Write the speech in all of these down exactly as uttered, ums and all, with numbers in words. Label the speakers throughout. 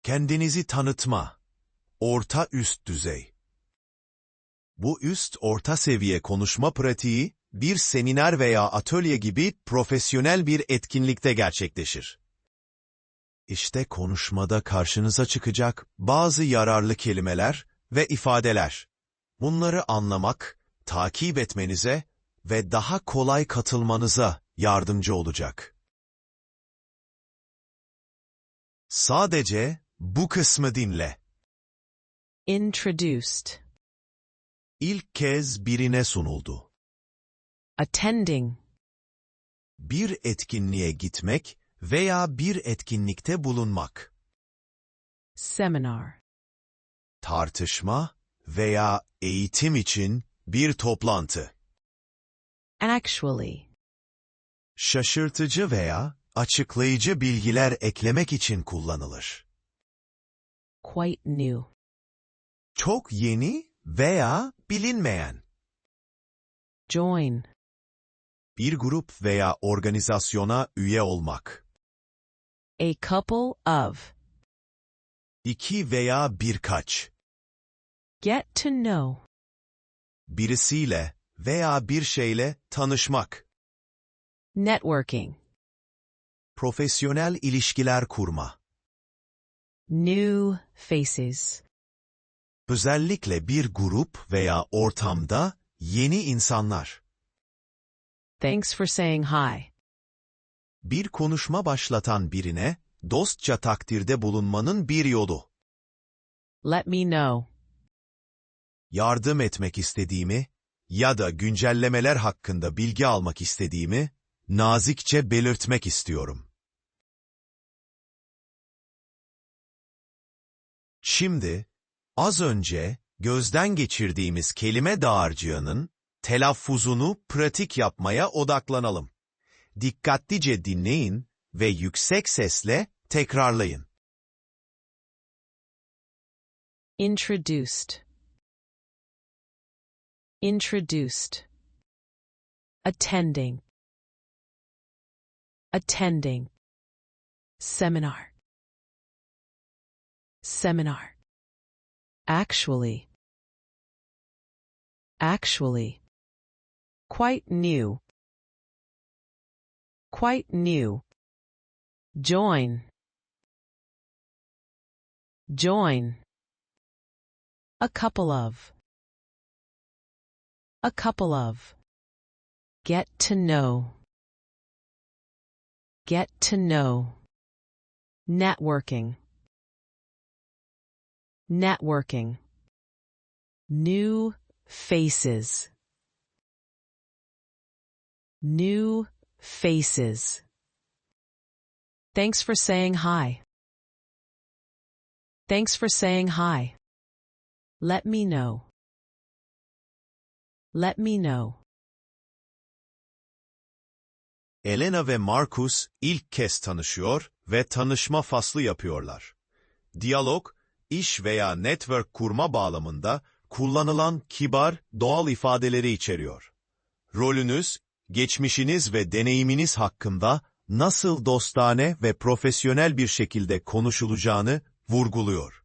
Speaker 1: Kendinizi tanıtma. Orta üst düzey. Bu üst orta seviye konuşma pratiği, bir seminer veya atölye gibi profesyonel bir etkinlikte gerçekleşir. İşte konuşmada karşınıza çıkacak bazı yararlı kelimeler ve ifadeler. Bunları anlamak, takip etmenize ve daha kolay katılmanıza yardımcı olacak. Sadece bu kısmı dinle.
Speaker 2: Introduced.
Speaker 1: İlk kez birine sunuldu.
Speaker 2: Attending.
Speaker 1: Bir etkinliğe gitmek veya bir etkinlikte bulunmak.
Speaker 2: Seminar.
Speaker 1: Tartışma veya eğitim için bir toplantı.
Speaker 2: Actually.
Speaker 1: Şaşırtıcı veya açıklayıcı bilgiler eklemek için kullanılır.
Speaker 2: Quite new.
Speaker 1: Çok yeni veya bilinmeyen.
Speaker 2: Join.
Speaker 1: Bir grup veya organizasyona üye olmak.
Speaker 2: A couple of.
Speaker 1: İki veya birkaç.
Speaker 2: Get to know.
Speaker 1: Birisiyle veya bir şeyle tanışmak.
Speaker 2: Networking.
Speaker 1: Profesyonel ilişkiler kurma.
Speaker 2: New faces.
Speaker 1: Özellikle bir grup veya ortamda yeni insanlar.
Speaker 2: Thanks for saying hi.
Speaker 1: Bir konuşma başlatan birine dostça takdirde bulunmanın bir yolu.
Speaker 2: Let me know.
Speaker 1: Yardım etmek istediğimi ya da güncellemeler hakkında bilgi almak istediğimi nazikçe belirtmek istiyorum. Şimdi, az önce gözden geçirdiğimiz kelime dağarcığının telaffuzunu pratik yapmaya odaklanalım. Dikkatlice dinleyin ve yüksek sesle tekrarlayın.
Speaker 2: Introduced. Introduced. Attending. Attending. Seminar. Seminar. Actually. Actually. Quite new. Quite new. Join. Join. A couple of. A couple of. Get to know. Get to know. Networking. Networking. New faces. New faces. Thanks for saying hi. Thanks for saying hi. Let me know. Let me know.
Speaker 1: Elena ve Marcus ilk kez tanışıyor ve tanışma faslı yapıyorlar. Diyalog, iş veya network kurma bağlamında kullanılan kibar, doğal ifadeleri içeriyor. Rolünüz, geçmişiniz ve deneyiminiz hakkında nasıl dostane ve profesyonel bir şekilde konuşulacağını vurguluyor.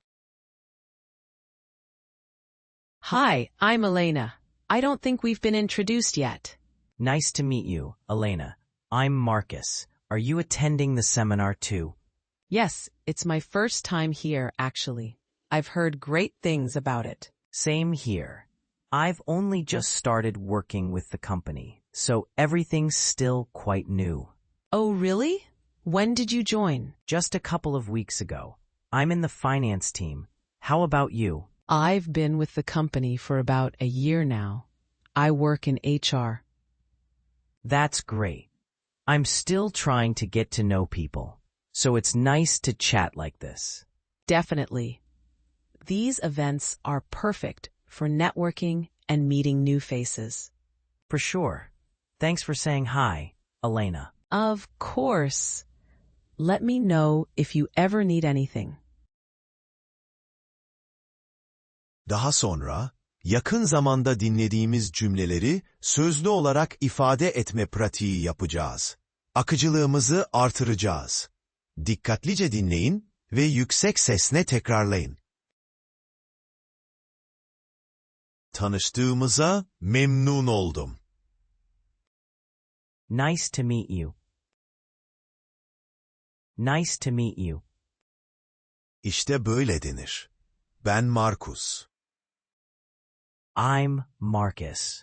Speaker 2: Hi, I'm Elena. I don't think we've been introduced yet.
Speaker 3: Nice to meet you, Elena. I'm Marcus. Are you attending the seminar too?
Speaker 2: Yes, it's my first time here, actually. I've heard great things about it.
Speaker 3: Same here. I've only just started working with the company, so everything's still quite new.
Speaker 2: Oh, really? When did you join?
Speaker 3: Just a couple of weeks ago. I'm in the finance team. How about you?
Speaker 2: I've been with the company for about a year now. I work in H R.
Speaker 3: That's great. I'm still trying to get to know people, so it's nice to chat like this.
Speaker 2: Definitely. These events are perfect for networking and meeting new faces.
Speaker 3: For sure. Thanks for saying hi, Elena.
Speaker 2: Of course. Let me know if you ever need anything.
Speaker 1: Daha sonra, yakın zamanda dinlediğimiz cümleleri sözlü olarak ifade etme pratiği yapacağız. Akıcılığımızı artıracağız. Dikkatlice dinleyin ve yüksek sesle tekrarlayın. Tanıştığımıza memnun oldum.
Speaker 3: Nice to meet you. Nice to meet you.
Speaker 1: İşte böyle denir. Ben Markus.
Speaker 3: I'm Marcus.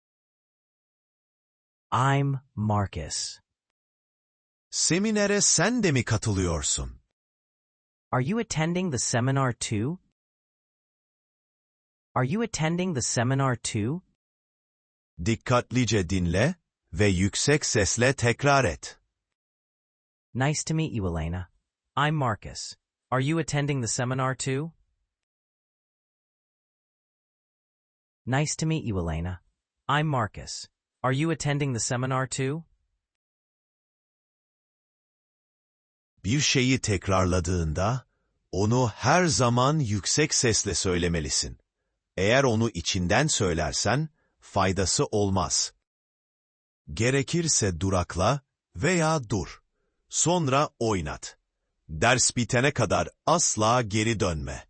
Speaker 3: I'm Marcus.
Speaker 1: Seminere sen de mi katılıyorsun?
Speaker 3: Are you attending the seminar too? Are you attending the seminar too?
Speaker 1: Dikkatlice dinle ve yüksek sesle tekrar et.
Speaker 3: Nice to meet you, Elena. I'm Marcus. Are you attending the seminar too? Nice to meet you, Elena. I'm Marcus. Are you attending the seminar too?
Speaker 1: Bir şeyi tekrarladığında, onu her zaman yüksek sesle söylemelisin. Eğer onu içinden söylersen, faydası olmaz. Gerekirse durakla veya dur. Sonra oynat. Ders bitene kadar asla geri dönme.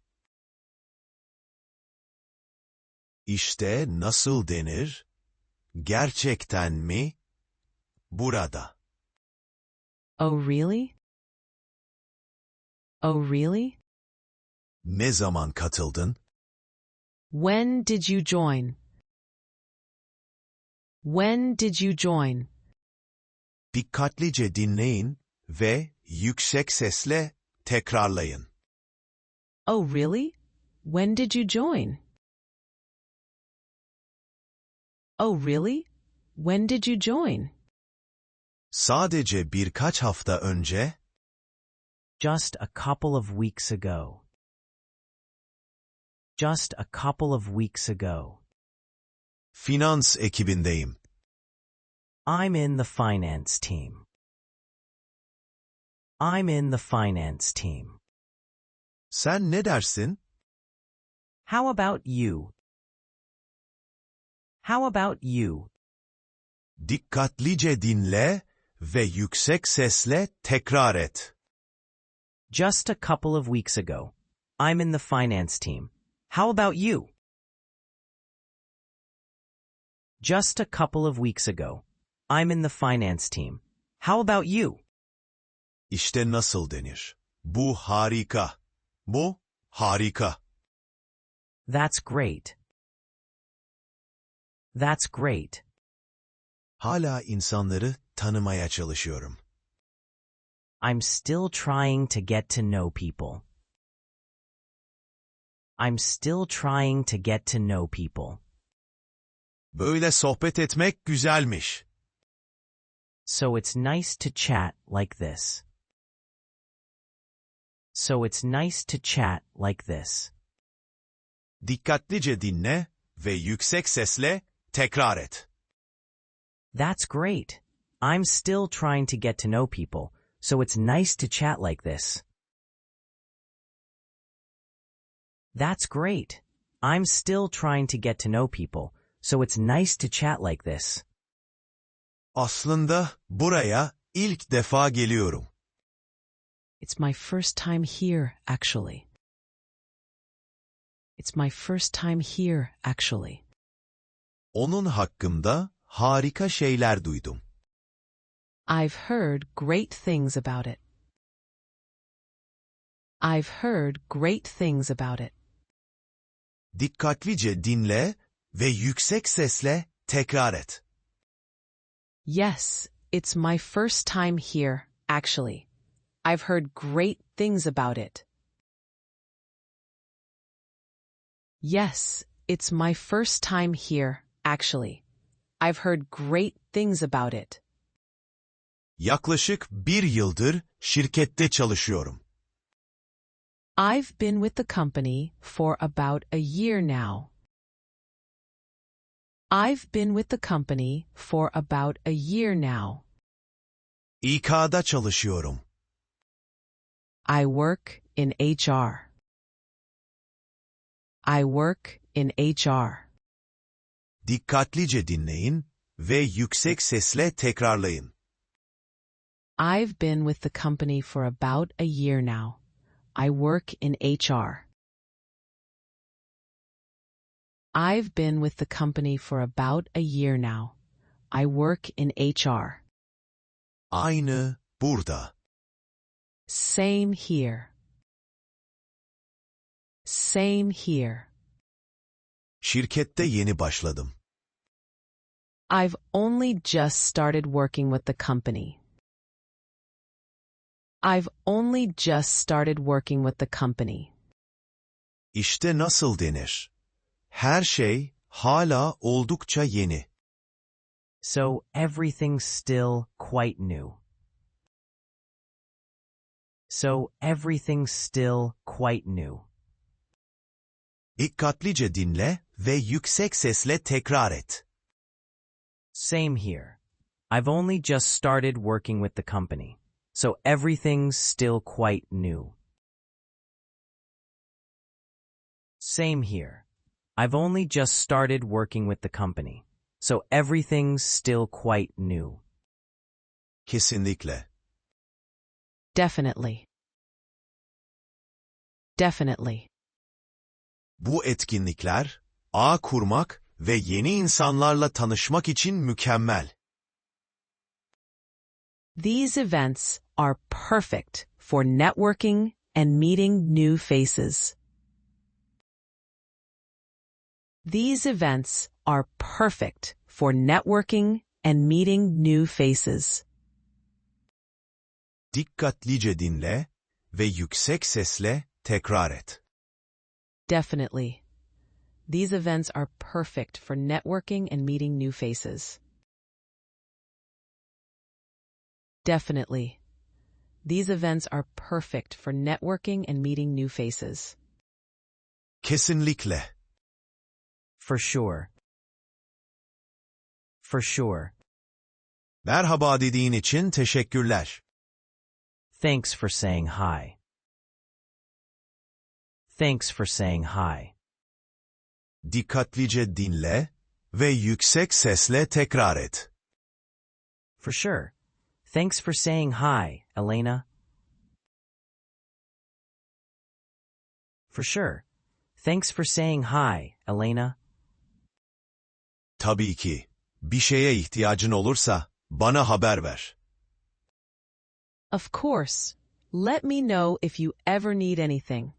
Speaker 1: İşte nasıl denir? Gerçekten mi? Burada.
Speaker 2: Oh, really? Oh, really?
Speaker 1: Ne zaman katıldın?
Speaker 2: When did you join? When did you join?
Speaker 1: Dikkatlice dinleyin ve yüksek sesle tekrarlayın.
Speaker 2: Oh, really? When did you join? Oh, really? When did you join?
Speaker 1: Sadece birkaç hafta önce,
Speaker 3: Just a couple of weeks ago. Just a couple of weeks ago.
Speaker 1: finans ekibindeyim.
Speaker 3: I'm in the finance team. I'm in the finance team.
Speaker 1: Sen ne dersin?
Speaker 3: How about you? How about you?
Speaker 1: Dikkatlice dinle ve yüksek sesle tekrar et.
Speaker 3: Just a couple of weeks ago. I'm in the finance team. How about you? Just a couple of weeks ago. I'm in the finance team. How about you?
Speaker 1: İşte nasıl denir. Bu harika. Bu harika.
Speaker 3: That's great. That's great.
Speaker 1: Hala insanları tanımaya çalışıyorum.
Speaker 3: I'm still trying to get to know people. I'm still trying to get to know people.
Speaker 1: Böyle sohbet etmek güzelmiş.
Speaker 3: So it's nice to chat like this. So it's nice to chat like this.
Speaker 1: Dikkatlice dinle ve yüksek sesle tekrar et.
Speaker 3: That's great. I'm still trying to get to know people, so it's nice to chat like this. That's great. I'm still trying to get to know people, so it's nice to chat like this.
Speaker 1: Aslında buraya ilk defa geliyorum.
Speaker 2: It's my first time here, actually. It's my first time here, actually.
Speaker 1: Onun hakkında harika şeyler duydum.
Speaker 2: I've heard great things about it. I've heard great things about it.
Speaker 1: Dikkatlice dinle ve yüksek sesle tekrar et.
Speaker 2: Yes, it's my first time here, actually. I've heard great things about it. Yes, it's my first time here, actually. I've heard great things about it.
Speaker 1: Yaklaşık bir yıldır şirkette çalışıyorum.
Speaker 2: I've been with the company for about a year now. I've been with the company for about a year now.
Speaker 1: İK'da çalışıyorum.
Speaker 2: I work in H R. I work in H R.
Speaker 1: Dikkatlice dinleyin ve yüksek sesle tekrarlayın.
Speaker 2: I've been with the company for about a year now. I work in H R. I've been with the company for about a year now. I work in H R.
Speaker 1: Aynı, burada.
Speaker 2: Same here. Same here.
Speaker 1: Şirkette yeni başladım.
Speaker 2: I've only just started working with the company. I've only just started working with the company.
Speaker 1: İşte nasıl denir? Her şey hala oldukça yeni.
Speaker 3: So everything's still quite new. So everything's still quite new.
Speaker 1: Dikkatlice dinle ve yüksek sesle tekrar et.
Speaker 3: Same here. I've only just started working with the company, so everything's still quite new. Same here. I've only just started working with the company, so everything's still quite new.
Speaker 1: Kesinlikle.
Speaker 2: Definitely. Definitely.
Speaker 1: Bu etkinlikler, ağ kurmak ve yeni insanlarla tanışmak için mükemmel.
Speaker 2: These events are perfect for networking and meeting new faces. These events are perfect for networking and meeting new faces.
Speaker 1: Dikkatlice dinle ve yüksek sesle tekrar et.
Speaker 2: Definitely. These events are perfect for networking and meeting new faces. Definitely. These events are perfect for networking and meeting new faces.
Speaker 1: Kesinlikle.
Speaker 3: For sure. For sure.
Speaker 1: Merhaba dediğin için teşekkürler.
Speaker 3: Thanks for saying hi. Thanks for saying hi.
Speaker 1: Dikkatlice dinle ve yüksek sesle tekrar et.
Speaker 3: For sure. Thanks for saying hi, Elena. For sure. Thanks for saying hi, Elena.
Speaker 1: Tabii ki. Bir şeye ihtiyacın olursa bana haber ver.
Speaker 2: Of course. Let me know if you ever need anything.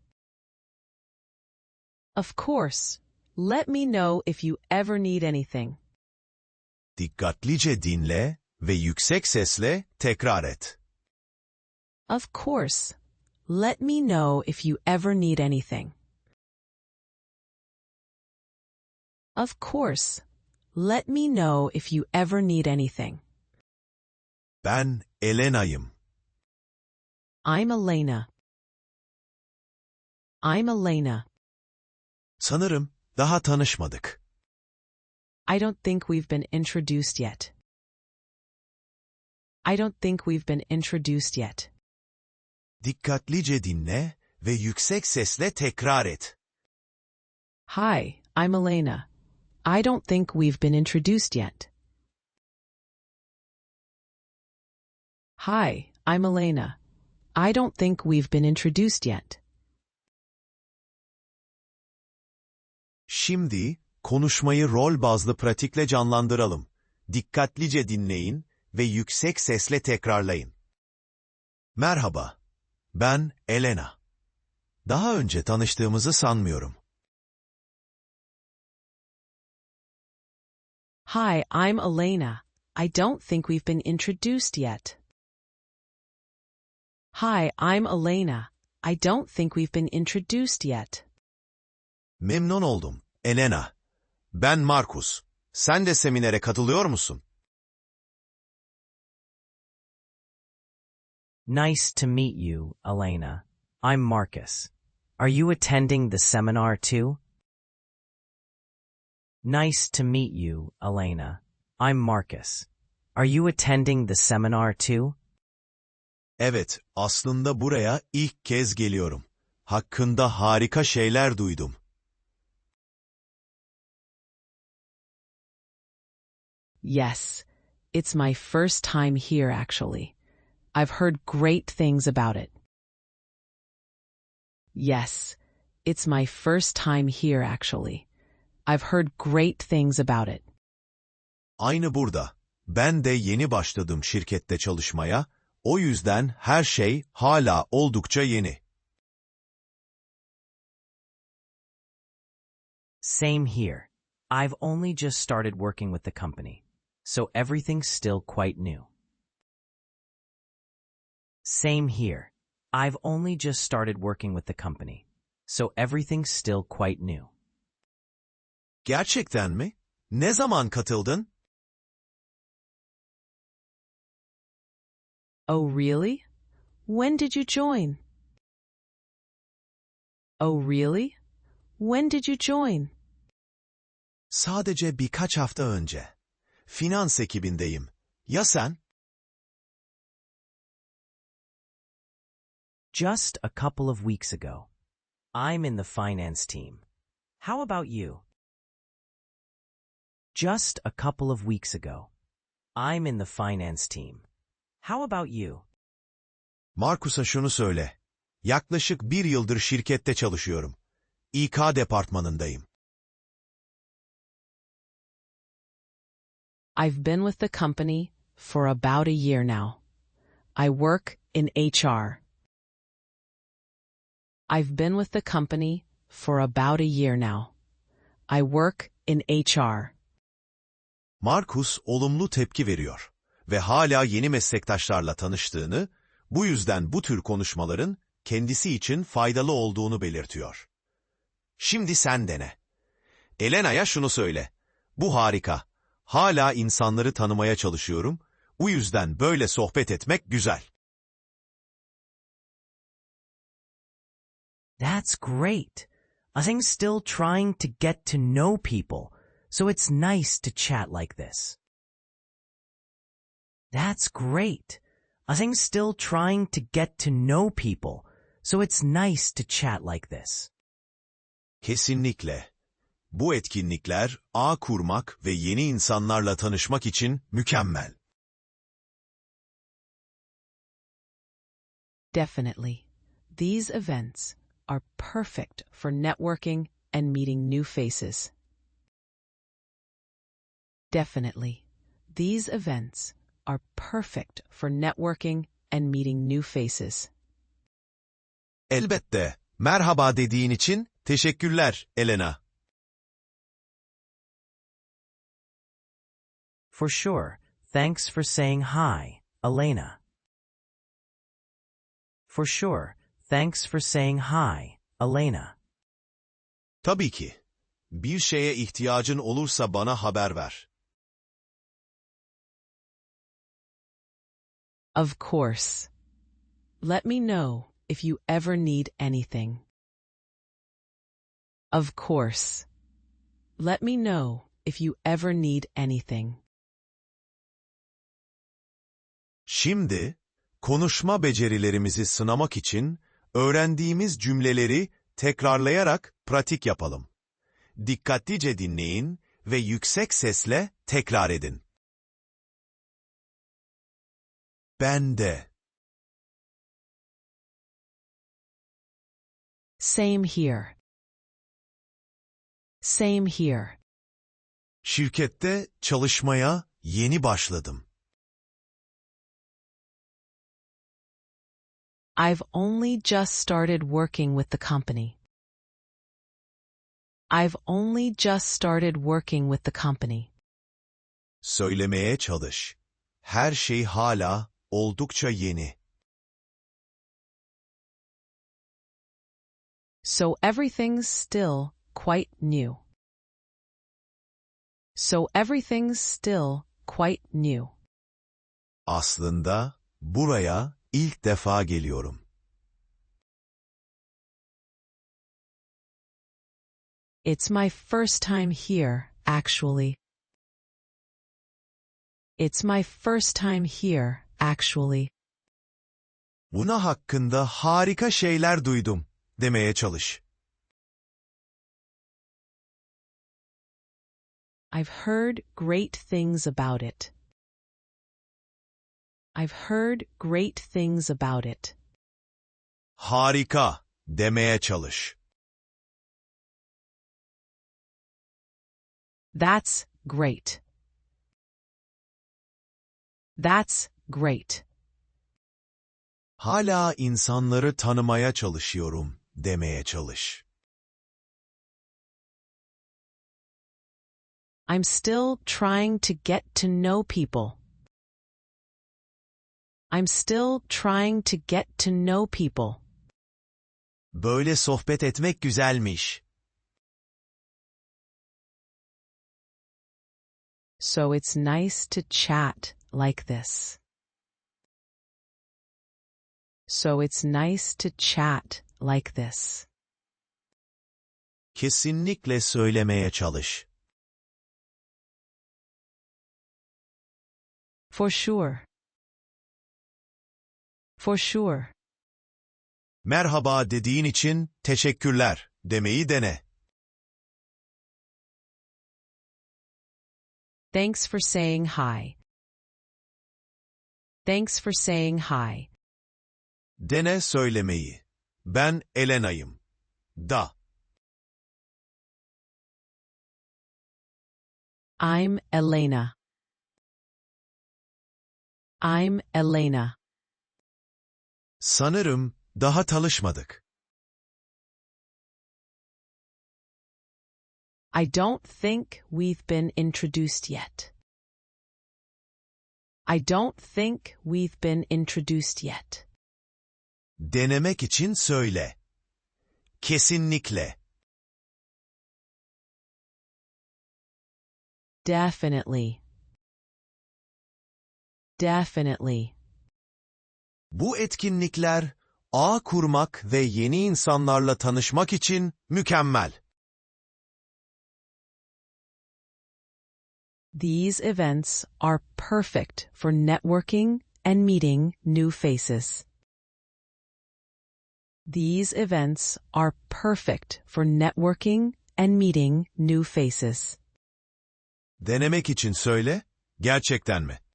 Speaker 2: Of course. Let me know if you ever need anything.
Speaker 1: Dikkatlice dinle ve yüksek sesle tekrar et.
Speaker 2: Of course. Let me know if you ever need anything. Of course. Let me know if you ever need anything.
Speaker 1: Ben Elena'yım.
Speaker 2: I'm Elena. I'm Elena.
Speaker 1: Sanırım daha tanışmadık.
Speaker 2: I don't think we've been introduced yet. I don't think we've been introduced yet.
Speaker 1: Dikkatlice dinle ve yüksek sesle tekrar et.
Speaker 2: Hi, I'm Elena. I don't think we've been introduced yet. Hi, I'm Elena. I don't think we've been introduced yet.
Speaker 1: Şimdi konuşmayı rol bazlı pratikle canlandıralım. Dikkatlice dinleyin ve yüksek sesle tekrarlayın. Merhaba. Ben Elena. Daha önce tanıştığımızı sanmıyorum.
Speaker 2: Hi, I'm Elena. I don't think we've been introduced yet. Hi, I'm Elena. I don't think we've been introduced yet.
Speaker 1: Memnun oldum, Elena. Ben Markus. Sen de seminere katılıyor musun?
Speaker 3: Nice to meet you, Elena. I'm Marcus. Are you attending the seminar too? Nice to meet you, Elena. I'm Marcus. Are you attending the seminar too?
Speaker 1: Evet, aslında buraya ilk kez geliyorum. Hakkında harika şeyler duydum.
Speaker 2: Yes, it's my first time here actually. I've heard great things about it. Yes, it's my first time here actually. I've heard great things about it.
Speaker 1: Aynı burada. Ben de yeni başladım şirkette çalışmaya, o yüzden her şey hala oldukça yeni.
Speaker 3: Same here. I've only just started working with the company, so everything's still quite new. Same here. I've only just started working with the company, so everything's still quite new.
Speaker 1: Gerçekten mi? Ne zaman katıldın?
Speaker 2: Oh, really? When did you join? Oh, really? When did you join?
Speaker 1: Sadece birkaç hafta önce. Finans ekibindeyim. Ya sen?
Speaker 3: Just a couple of weeks ago. I'm in the finance team. How about you? Just a couple of weeks ago. I'm in the finance team. How about you?
Speaker 1: Markus'a şunu söyle. Yaklaşık bir yıldır şirkette çalışıyorum. İK departmanındayım.
Speaker 2: I've been with the company for about a year now. I work in H R. I've been with the company for about a year now. I work in H R.
Speaker 1: Markus olumlu tepki veriyor ve hala yeni meslektaşlarla tanıştığını, bu yüzden bu tür konuşmaların kendisi için faydalı olduğunu belirtiyor. Şimdi sen dene. Elena'ya şunu söyle. Bu harika. Hala insanları tanımaya çalışıyorum. Bu yüzden böyle sohbet etmek güzel.
Speaker 3: That's great. I'm still trying to get to know people, so it's nice to chat like this. That's great. I'm still trying to get to know people, so it's nice to chat like this.
Speaker 1: Kesinlikle. Bu etkinlikler, ağ kurmak ve yeni insanlarla tanışmak için mükemmel.
Speaker 2: Definitely. These events are perfect for networking and meeting new faces. Definitely. These events are perfect for networking and meeting new faces.
Speaker 1: Elbette. Merhaba dediğin için teşekkürler, Elena.
Speaker 3: For sure. Thanks for saying hi, Elena. For sure. Thanks for saying hi, Elena.
Speaker 1: Tabii ki. Bir şeye ihtiyacın olursa bana haber ver.
Speaker 2: Of course. Let me know if you ever need anything. Of course. Let me know if you ever need anything.
Speaker 1: Şimdi, konuşma becerilerimizi sınamak için öğrendiğimiz cümleleri tekrarlayarak pratik yapalım. Dikkatlice dinleyin ve yüksek sesle tekrar edin. Ben de.
Speaker 2: Same here. Same here.
Speaker 1: Şirkette çalışmaya yeni başladım.
Speaker 2: I've only just started working with the company. I've only just started working with the company.
Speaker 1: Söylemeye çalış. Her şey hala oldukça yeni.
Speaker 2: So everything's still quite new. So everything's still quite new.
Speaker 1: Aslında buraya ilk defa geliyorum.
Speaker 2: It's my first time here, actually. It's my first time here, actually.
Speaker 1: Buna hakkında harika şeyler duydum demeye çalış.
Speaker 2: I've heard great things about it. I've heard great things about it.
Speaker 1: Harika. demeye çalış.
Speaker 2: That's great. That's great.
Speaker 1: Hala insanları tanımaya çalışıyorum demeye çalış.
Speaker 2: I'm still trying to get to know people. I'm still trying to get to know people.
Speaker 1: Böyle sohbet etmek güzelmiş.
Speaker 2: So it's nice to chat like this. So it's nice to chat like this.
Speaker 1: Kesinlikle söylemeye çalış.
Speaker 2: For sure. For sure.
Speaker 1: Merhaba dediğin için teşekkürler demeyi dene.
Speaker 2: Thanks for saying hi. Thanks for saying hi.
Speaker 1: Dene söylemeyi. Ben Elena'yım. Da.
Speaker 2: I'm Elena. I'm Elena.
Speaker 1: Sanırım daha tanışmadık.
Speaker 2: I don't think we've been introduced yet. I don't think we've been introduced yet.
Speaker 1: Denemek için söyle. Kesinlikle.
Speaker 2: Definitely. Definitely.
Speaker 1: Bu etkinlikler, ağ kurmak ve yeni insanlarla tanışmak için mükemmel.
Speaker 2: These events are perfect for networking and meeting new faces. These events are perfect for networking and meeting new faces.
Speaker 1: Denemek için söyle, gerçekten mi?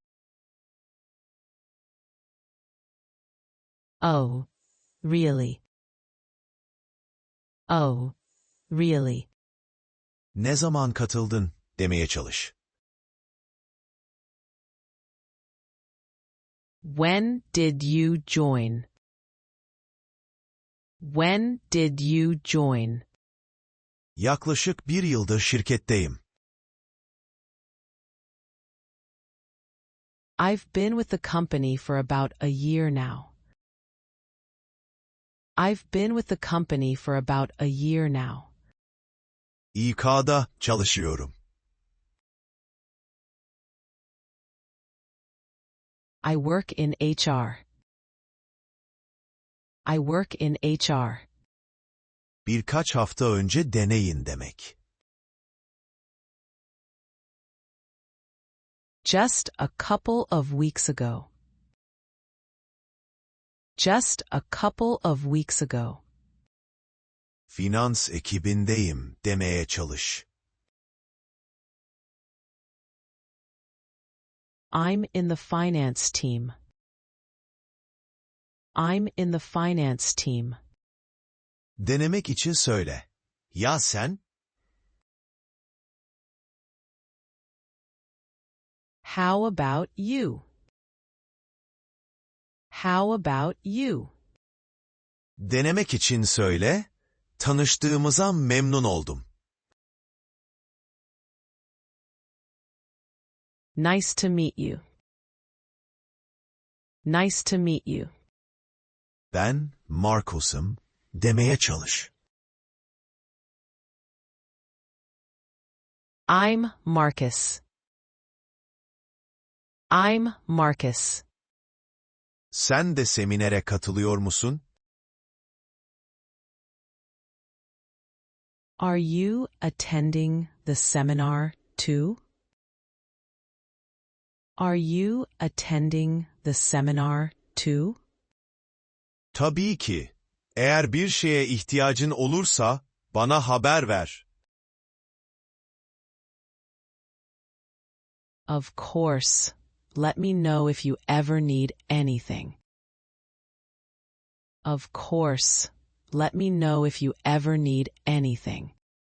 Speaker 2: Oh, really? Oh, really?
Speaker 1: Ne zaman katıldın demeye çalış.
Speaker 2: When did you join? When did you join?
Speaker 1: Yaklaşık bir yıldır şirketteyim.
Speaker 2: I've been with the company for about a year now. I've been with the company for about a year now.
Speaker 1: İK'da çalışıyorum.
Speaker 2: I work in H R. I work in H R.
Speaker 1: Birkaç hafta önce deneyin demek.
Speaker 2: Just a couple of weeks ago. Just a couple of weeks ago.
Speaker 1: Finans ekibindeyim demeye çalış.
Speaker 2: I'm in the finance team. I'm in the finance team.
Speaker 1: Denemek için söyle. Ya sen?
Speaker 2: How about you? How about you?
Speaker 1: Denemek için söyle. Tanıştığımıza memnun oldum.
Speaker 2: Nice to meet you. Nice to meet you.
Speaker 1: Ben Marcos'um demeye çalış.
Speaker 2: I'm Marcus. I'm Marcus.
Speaker 1: Sen de seminere katılıyor musun?
Speaker 2: Are you attending the seminar too? Are you attending the seminar too?
Speaker 1: Tabii ki. Eğer bir şeye ihtiyacın olursa bana haber ver.
Speaker 2: Of course. Let me know if you ever need anything. Of course. Let me know if you ever need anything.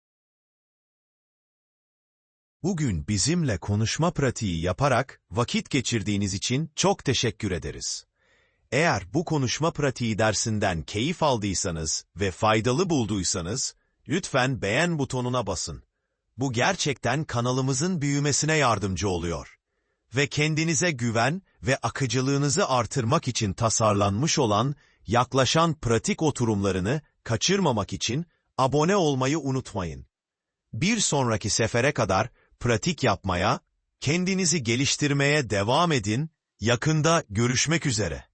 Speaker 1: Bugün bizimle konuşma pratiği yaparak vakit geçirdiğiniz için çok teşekkür ederiz. Eğer bu konuşma pratiği dersinden keyif aldıysanız ve faydalı bulduysanız, lütfen beğen butonuna basın. Bu gerçekten kanalımızın büyümesine yardımcı oluyor. Ve kendinize güven ve akıcılığınızı artırmak için tasarlanmış olan yaklaşan pratik oturumlarını kaçırmamak için abone olmayı unutmayın. Bir sonraki sefere kadar pratik yapmaya, kendinizi geliştirmeye devam edin. Yakında görüşmek üzere.